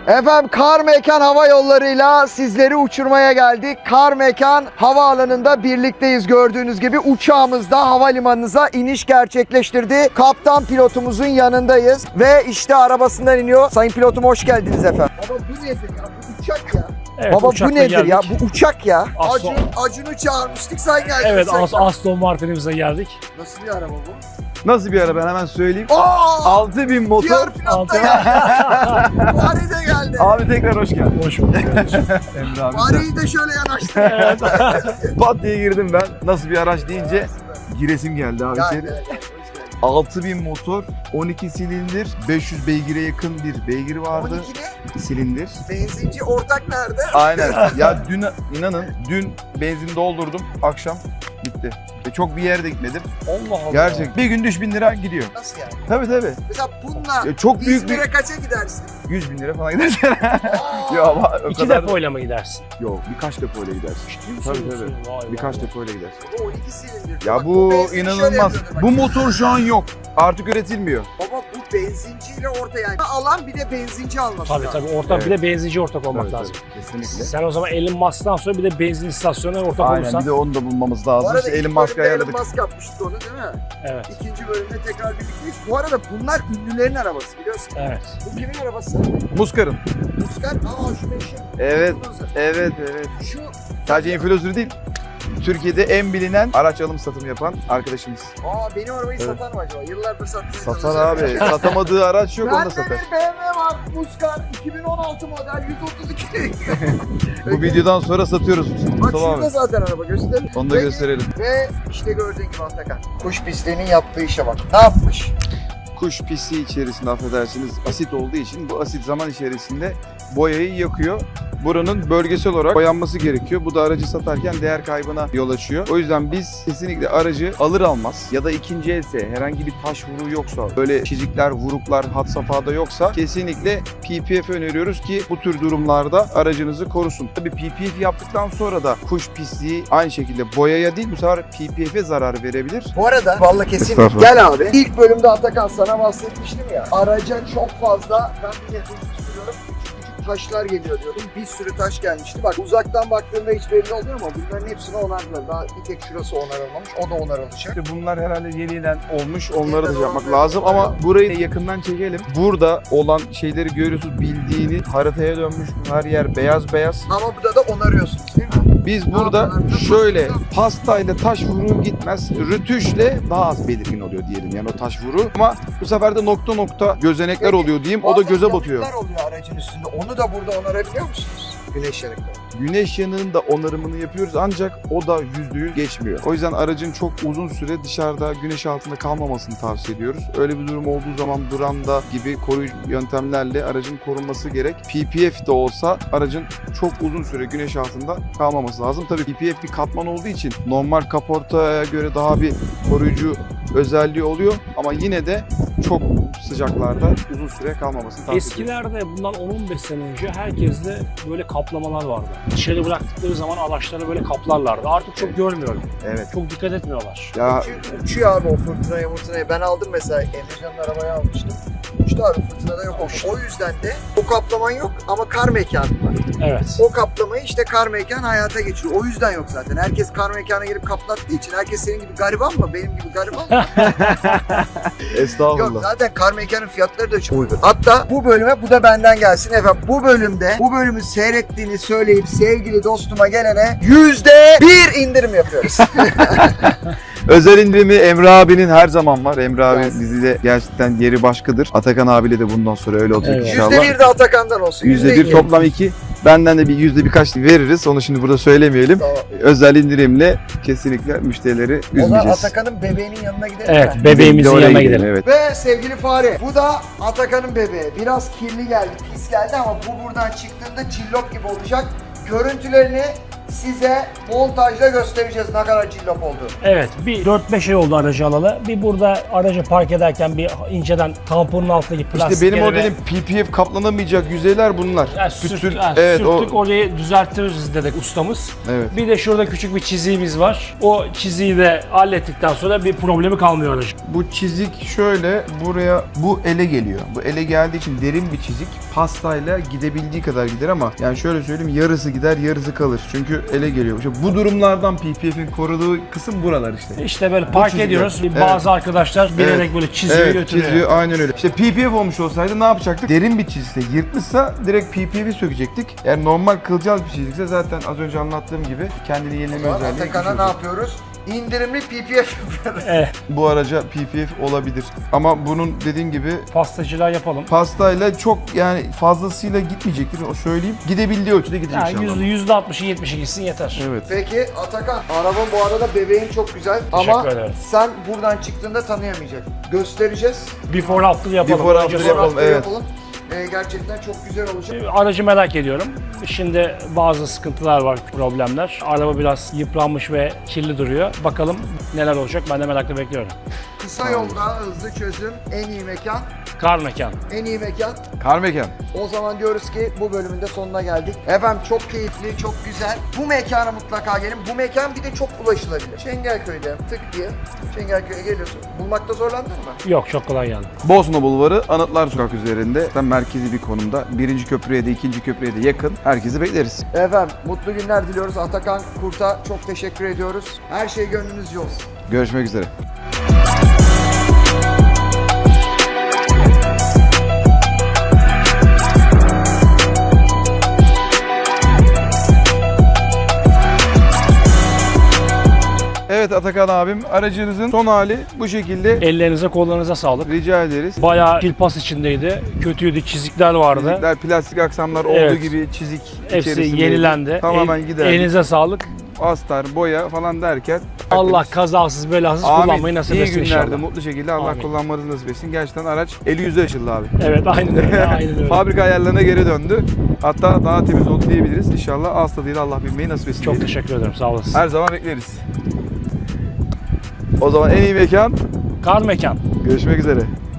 Efendim Kar Mekan Hava Yolları'yla sizleri uçurmaya geldik. Kar Mekan Havaalanı'nda birlikteyiz gördüğünüz gibi. Uçağımız da havalimanınıza iniş gerçekleştirdi. Kaptan pilotumuzun yanındayız ve işte arabasından iniyor. Sayın pilotum hoş geldiniz efendim. Baba bu nedir ya? Bu uçak ya. Evet, baba bu nedir geldik. ya? Bu uçak ya. Acun'u çağırmıştık, sen geldin. Evet, Aston Martin'imize geldik. Nasıl bir araba bu? Nasıl bir araba ben hemen söyleyeyim. Oo! 6000 motor. Diğer pilot da geldi. Fahri de geldi. Abi tekrar hoş geldin. Hoş bulduk kardeşim. Emre abi. Fahri'yi de şöyle yanaştı. Pat diye girdim ben. Nasıl bir araç deyince giresim geldi abi Gel, içeri. gel, gel. 6000 motor, 12 silindir, 500 beygire yakın bir beygir vardı. 12 ne? Silindir. Benzinci ortak nerede? Aynen. Ya dün inanın dün benzin doldurdum akşam bitti. Ve çok bir yere de gitmedim. Allah Allah. Gerçek. Bir günde 3000 lira gidiyor. Nasıl yani? Tabii. Mesela bununla Ya çok büyük bir İzmir'e kaça gidersin? 100 bin lira falan gidersin. Aa! Yok ama o İki kadar. depoyla mı gidersin? Yok birkaç depoyla gidersin. Ciddi Tabii, misin? Vay Birkaç vay. depoyla gidersin. Bu 12 silindir. Ya Bak, bu benzin şöyle inanılmaz. yapıyordu bak. Bu motor şu an yok. Artık üretilmiyor. Baba bu benzinciyle orta yani. Alan bir de benzinci alması Tabii lazım. tabii ortak bir Evet. de benzinci ortak olmak Tabii, lazım. tabii, kesinlikle. Sen o zaman Elon Musk'tan sonra bir de benzin istasyonuna ortak Aynen olursan. bir de onu da bulmamız Bu lazım. arada İşte ilk Elon Musk'a bölümde ayarladık. Elon Musk yapmıştı onu değil mi? Evet. İkinci bölümde tekrar birlikteyiz. Bu arada bunlar ünlülerin arabası biliyorsun. Evet. Bu kimin arabası? Muskar'ın. Muskar. Aa şu meşhur. Evet. Influencer. Evet. Şu Sadece influencer değil. Türkiye'de en bilinen araç alım satım yapan arkadaşımız. benim arabayı Evet. satar mı acaba? Yıllardır satmaya Satar çalışıyor. abi. Satamadığı araç yok onu da Bende satar. bir BMW var. Muskar 2016 model 132. Bu videodan sonra satıyoruz. Bak Mustafa şurada abi. zaten araba göster. Onu da gösterelim. Ve işte gördüğün gibi Atakan. Kuş pisliğinin yaptığı işe bak. Ne yapmış? Kuş pisliği içerisinde affedersiniz asit olduğu için bu asit zaman içerisinde boyayı yakıyor. Buranın bölgesel olarak boyanması gerekiyor. Bu da aracı satarken değer kaybına yol açıyor. O yüzden biz kesinlikle aracı alır almaz ya da ikinci else herhangi bir taş vuruğu yoksa, böyle çizikler, vuruklar had safhada yoksa kesinlikle PPF öneriyoruz ki bu tür durumlarda aracınızı korusun. Tabii PPF yaptıktan sonra da kuş pisliği aynı şekilde boyaya değil bu sefer PPF'e zarar verebilir. Bu arada vallahi kesin Estağfurullah. gel abi. İlk bölümde Atakan sana bahsetmiştim ya. Araca çok fazla ben bir nefes tutuyorum. Küçük taşlar geliyor diyordum. Bir sürü taş gelmişti. Bak uzaktan baktığımda hiç belli olmuyor ama bunların hepsini onardılar. Daha bir tek şurası onarılmamış. O da onarılacak. İşte bunlar herhalde yeniden olmuş. Onları da Yeniden yapmak olmuş. lazım ama burayı yakından çekelim. Burada olan şeyleri görüyorsunuz. Bildiğini haritaya dönmüş. Her yer beyaz beyaz. Ama burada da onarıyorsunuz değil mi? Biz burada yapıyorlar? şöyle pastayla taş vuruğu gitmez. Rütüşle daha az belirgin oluyor diyelim yani o taş vuruğu. Ama bu sefer de nokta nokta gözenekler oluyor diyeyim. O da Bazen göze batıyor. yanıklar oluyor aracın üstünde. Onu da burada onarabiliyor musunuz? Güneş yanıkları. Güneş yanığının da onarımını yapıyoruz ancak o da %100 geçmiyor. O yüzden aracın çok uzun süre dışarıda güneş altında kalmamasını tavsiye ediyoruz. Öyle bir durum olduğu zaman branda gibi koruyucu yöntemlerle aracın korunması gerek. PPF de olsa aracın çok uzun süre güneş altında kalmaması lazım. Tabii PPF bir katman olduğu için normal kaportaya göre daha bir koruyucu özelliği oluyor ama yine de çok sıcaklarda uzun süre kalmamasını tavsiye ediyoruz. Eskilerde bundan 10-15 sene önce herkeste böyle kaplamalar vardı. Dışarı bıraktıkları zaman araçları böyle kaplarlardı. Artık çok görmüyorum. Evet. Çok dikkat etmiyorlar. Ya Çünkü uçuyor abi o fırtınaya. Ben aldım mesela Emrecan'ın arabayı almıştım. Uçtu abi fırtınada yok olmuş. O yüzden de o kaplaman yok ama kar mekanı var. Evet. O kaplamayı işte kar mekan hayata geçiriyor. O yüzden yok zaten. Herkes kar mekana girip kaplattığı için herkes senin gibi gariban mı? Benim gibi gariban mı? estağfurullah. Yok zaten kar mekanın fiyatları da çok uygun. Hatta bu bölüme bu da benden gelsin efendim. Bu bölümü seyrettiğini söyleyip sevgili dostuma gelene %1 indirim yapıyoruz. Özel indirimi Emre abinin her zaman var. Emre abi Gelsin. dizide gerçekten yeri başkadır. Atakan abiyle de bundan sonra öyle olacak Evet. inşallah. %1 de Atakan'dan olsun. %1 toplam 2. Benden de birkaç veririz. Onu şimdi burada söylemeyelim. Tamam. Özel indirimle kesinlikle müşterileri O zaman üzmeyeceğiz. Atakan'ın bebeğinin yanına gidelim Evet, mi? bebeğimizin Oraya yanına gidelim. Evet. Ve sevgili fare, bu da Atakan'ın bebeği. Biraz kirli geldi, pis geldi ama bu buradan çıktığında cillop gibi olacak. Görüntülerini size montajda göstereceğiz ne kadar cillop olduğunu. Evet, bir 4-5 ay oldu aracı alalı. Bir burada aracı park ederken bir inceden tamponun altındaki İşte plastikleri benim modelim PPF kaplanamayacak yüzeyler bunlar. yani Pütür- sürttük, evet, sürttük orayı düzeltiriz dedik ustamız. Evet. Bir de şurada küçük bir çiziğimiz var. O çiziği de hallettikten sonra bir problemi kalmıyor aracın. Bu çizik şöyle buraya bu ele geliyor. Bu ele geldiği için derin bir çizik. Pastayla gidebildiği kadar gider ama yani şöyle söyleyeyim yarısı gider yarısı kalır. Çünkü ele geliyor. İşte bu durumlardan PPF'in koruduğu kısım buralar işte. İşte böyle park çizikler. ediyoruz. Evet. Bazı arkadaşlar bilerek Evet. böyle çiziyor Evet, götürüyor. çiziyor aynen öyle. İşte PPF olmuş olsaydı ne yapacaktık? Derin bir çizikse yırtmışsa direkt PPF'i sökecektik. Yani normal kılcal bir çizikse zaten az önce anlattığım gibi kendini yenileme özelliği. Atakan'a ne yapıyoruz? İndirimli PPF yapıyoruz. Bu araca PPF olabilir. Ama bunun dediğim gibi Pastacılar yapalım. pastayla çok yani fazlasıyla gitmeyecektir. O söyleyeyim. Gidebildiği ölçüde gidecek Yani inşallah. %60'ı 70'i gitsin yeter. Evet. Peki Atakan, araba bu arada bebeğin çok güzel ama Teşekkür ederim. sen buradan çıktığında tanıyamayacak. Göstereceğiz. Before after yapalım. Before Önce after sonra- yapalım, evet. Yapalım. Gerçekten çok güzel olacak. Aracı merak ediyorum. Şimdi bazı sıkıntılar var, problemler. Araba biraz yıpranmış ve kirli duruyor. Bakalım neler olacak, ben de merakla bekliyorum. Kısa yolda hızlı çözüm, en iyi mekan, Kar mekan. en iyi mekan. Karmekan. O zaman diyoruz ki bu bölümün de sonuna geldik. Efendim çok keyifli, çok güzel. Bu mekana mutlaka gelin. Bu mekan bir de çok ulaşılabilir. Çengelköy'de tık diye Çengelköy'e geliyorsun. Bulmakta zorlandın mı? Yok, çok kolay geldi. Bosna Bulvarı Anıtlar Sokak üzerinde. Tam merkezi bir konumda. Birinci köprüye de ikinci köprüye de yakın. Herkesi bekleriz. Efendim mutlu günler diliyoruz. Atakan Kurt'a çok teşekkür ediyoruz. Her şey gönlünüzce olsun. Görüşmek üzere. Evet Atakan abim aracınızın son hali bu şekilde. Ellerinize kollarınıza sağlık. Rica ederiz. Bayağı kilpas içindeydi. Kötüydü, çizikler vardı. Çizikler, plastik aksamlar Evet. olduğu gibi çizik Hepsi içerisindeydi. yenilendi. Tamamen giderdi. Elinize sağlık. Astar, boya falan derken. Allah tertemiz. kazasız belasız Amin. kullanmayı nasip İyi etsin günlerde inşallah. mutlu şekilde Allah Amin. kullanmanızı nasip etsin. Gerçekten araç eli yüzü açıldı abi. Evet, aynen öyle. Aynen öyle. Fabrika ayarlarına geri döndü. Hatta daha temiz oldu diyebiliriz. İnşallah ağız tadıyla Allah bilmeyi nasip etsin. Çok diyelim. teşekkür ederim. Sağ olasın. Her zaman bekleriz. O zaman en iyi mekan. Kar mekan. Görüşmek üzere.